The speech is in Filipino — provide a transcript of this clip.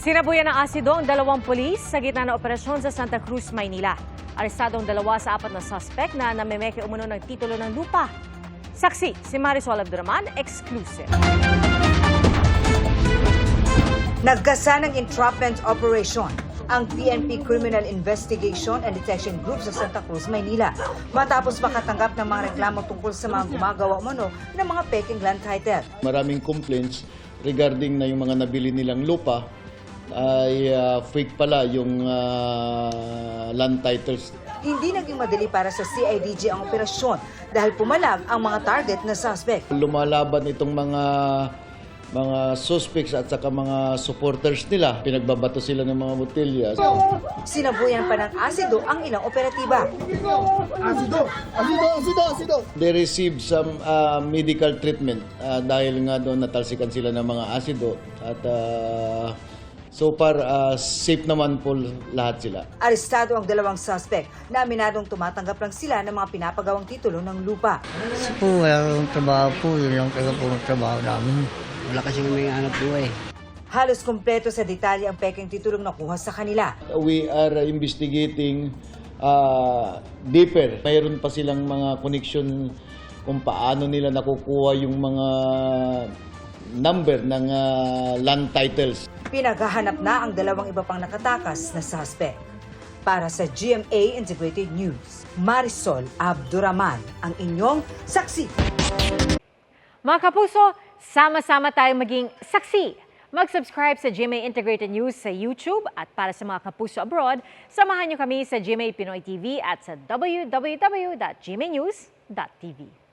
Sinabuyan ng asido ang dalawang pulis sa gitna ng operasyon sa Santa Cruz, Maynila. Arestado ang dalawa sa 4 na suspect na namemeke umano ng titulo ng lupa. Saksi, si Marisol Abduraman, exclusive. Nagkasa ng entrapment operation ang PNP Criminal Investigation and Detection Group sa Santa Cruz, Maynila. Matapos makatanggap ng mga reklamo tungkol sa mga gumagawa umano ng mga peking land title. Maraming complaints regarding na yung mga nabili nilang lupa ay fake pala yung land titles. Hindi naging madali para sa CIDG ang operasyon dahil pumalag ang mga target na suspect. Lumalaban itong mga suspects at saka mga supporters nila. Pinagbabato sila ng mga botelya. Sinabuyan pa ng asido ang ilang operatiba. Asido! They received some medical treatment dahil nga doon natalsikan sila ng mga asido. At so far, safe naman po lahat sila. Arestado ang dalawang suspect na aminadong tumatanggap lang sila ng mga pinapagawang titulo ng lupa. Kasi po, wala akong trabaho po. Yun lang talaga po ang trabaho namin. Wala kasi may anak buhay. Halos kumpleto sa detalye ang peking titulong nakuha sa kanila. We are investigating deeper. Mayroon pa silang mga connection kung paano nila nakukuha yung mga number ng land titles. Pinaghahanap na ang dalawang iba pang nakatakas na suspect. Para sa GMA Integrated News, Marisol Abduraman, ang inyong saksi. Mga kapuso, sama-sama tayong maging saksi. Mag-subscribe sa GMA Integrated News sa YouTube at para sa mga kapuso abroad, samahan niyo kami sa GMA Pinoy TV at sa www.gmanews.tv.